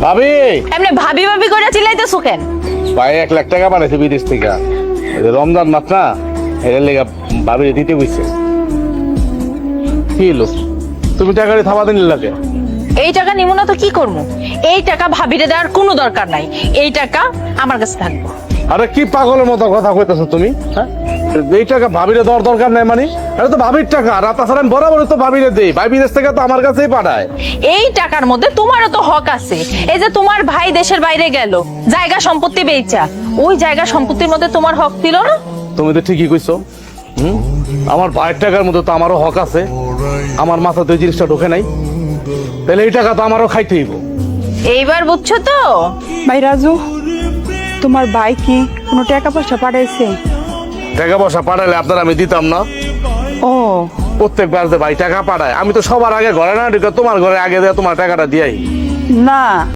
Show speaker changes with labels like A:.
A: ভাবি
B: এমনি ভাবি ভাবি করে চিল্লাইতেছো কেন?
A: ভাই 1 লাখ টাকা পাঠাইছে বিদেশ থেকে। এই যে রমজান মাস না, এর লেগে ভাবি দিতে বইছে। কি হলো, তুমি টাকাটা থামাতে নিলাকে?
B: এই টাকা নিমু না তো কি করবো? এই টাকা ভাবিরে দেওয়ার কোনো দরকার নাই, এই টাকা আমার কাছে থাকবো।
A: আরে কি পাগলের মতো কথা কইতেছো তুমি? হ্যাঁ, এই টাকা ভাবিরে দেওয়ার দরকার নাই মানে? এটা তো ভাবির টাকা, আর তাছাড়া আমি বরাবরই তো ভাবিরে দেই। ভাই বিদেশ থেকে তো আমার কাছেই পাঠায়।
B: এই টাকার মধ্যে তোমারও তো হক আছে। এই যে তোমার ভাই দেশের বাইরে গেল, জায়গা সম্পত্তি বেচা, ওই জায়গা সম্পত্তির মধ্যে তোমার হক ছিল না?
A: তুমি তো ঠিকই কইছো। আমার ভাইয়ের টাকার মধ্যে তো আমারও হক আছে। আমার মাথাতে ওই জিনিসটা ঢোকে নাই, তাহলে এই টাকা তো আমারও খাইতে হইব।
B: এইবার বুঝছো তো?
C: ভাই রাজু, তোমার ভাই কি কোনো টাকা পয়সা পাঠাইছে?
A: টাকা পয়সা পাঠালে আপনার আমি দিতাম না?
C: ও,
A: প্রত্যেকবার যে ভাই টাকা পাঠায়, আমি তো সবার আগে ঘরে না ঢুকে তোমার ঘরে আগে দিয়ে তোমার টাকাটা দিয়াই।
C: না